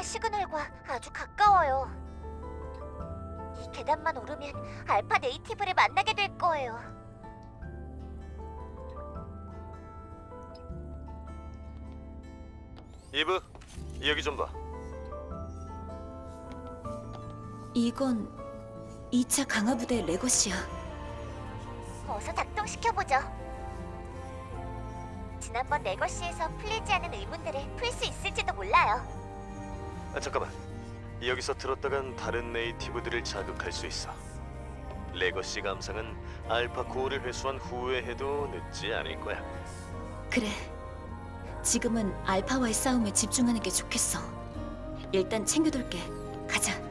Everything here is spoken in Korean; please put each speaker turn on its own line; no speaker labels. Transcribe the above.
알파 시그널과 아주 가까워요. 이 계단만 오르면 알파 네이티브를 만나게 될 거예요.
이브, 여기 좀 봐.
이건 2차 강화부대 레거시야.
어서 작동시켜보죠. 지난번 레거시에서 풀리지 않은 의문들을 풀 수 있을지도 몰라요.
잠깐만. 여기서 들었다간 다른 네이티브들을 자극할 수 있어. 레거시 감상은 알파 코어를 회수한 후에 해도 늦지 않을 거야.
그래. 지금은 알파와의 싸움에 집중하는 게 좋겠어. 일단 챙겨둘게. 가자.